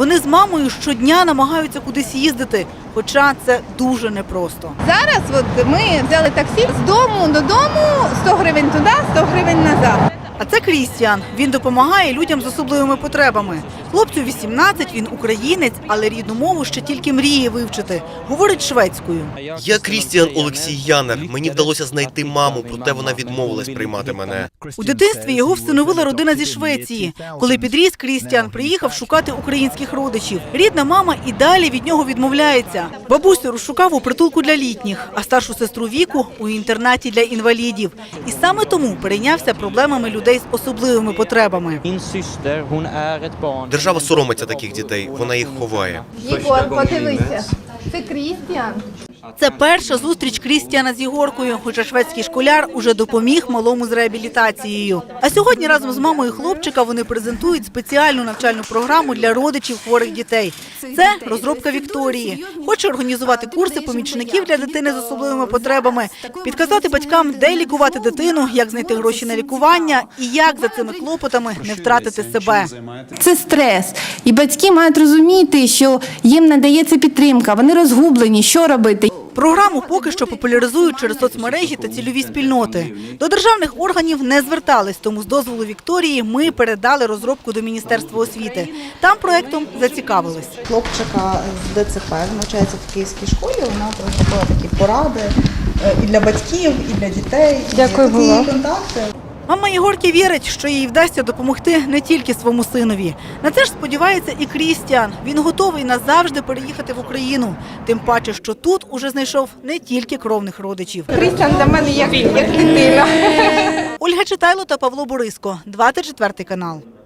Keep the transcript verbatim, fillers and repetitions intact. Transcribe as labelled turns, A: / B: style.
A: Вони з мамою щодня намагаються кудись їздити, хоча це дуже непросто.
B: Зараз от ми взяли таксі з дому додому, сто гривень туди, сто гривень назад.
A: А це Крістіан. Він допомагає людям з особливими потребами. Хлопцю вісімнадцять, він українець, але рідну мову ще тільки мріє вивчити. Говорить шведською.
C: Я Крістіан Олексій Янер. Мені вдалося знайти маму, проте вона відмовилась приймати мене.
A: У дитинстві його всиновила родина зі Швеції. Коли підріс, Крістіан приїхав шукати українських родичів. Рідна мама і далі від нього відмовляється. Бабусю розшукав у притулку для літніх, а старшу сестру Віку – у інтернаті для інвалідів. І саме тому перейнявся проблемами людей з особливими потребами.
C: Держава соромиться таких дітей, вона їх ховає.
B: Єгор, подивися, це Крістіан.
A: Це перша зустріч Крістіана з Єгоркою, хоча шведський школяр уже допоміг малому з реабілітацією. А сьогодні разом з мамою хлопчика вони презентують спеціальну навчальну програму для родичів хворих дітей. Це розробка Вікторії. Хоче організувати курси помічників для дитини з особливими потребами, підказати батькам, де лікувати дитину, як знайти гроші на лікування і як за цими клопотами не втратити себе.
D: Це стрес. І батьки мають розуміти, що їм надається підтримка, вони розгублені, що робити.
A: Програму поки що популяризують через соцмережі та цільові спільноти. До державних органів не звертались, тому з дозволу Вікторії ми передали розробку до Міністерства освіти. Там проектом зацікавились.
E: Хлопчика з Д Ц П, навчається в київській школі, вона робила такі поради і для батьків, і для дітей.
D: Дякую,
E: і такі
D: Гула.
E: контакти.
A: Мама Єгорки вірить, що їй вдасться допомогти не тільки своєму синові. На це ж сподівається і Крістіан. Він готовий назавжди переїхати в Україну. Тим паче, що тут уже знайшов не тільки кровних родичів.
B: Крістіан для мене як, як дитина.
A: Ольга Читайло та Павло Бориско, двадцять четвертий канал.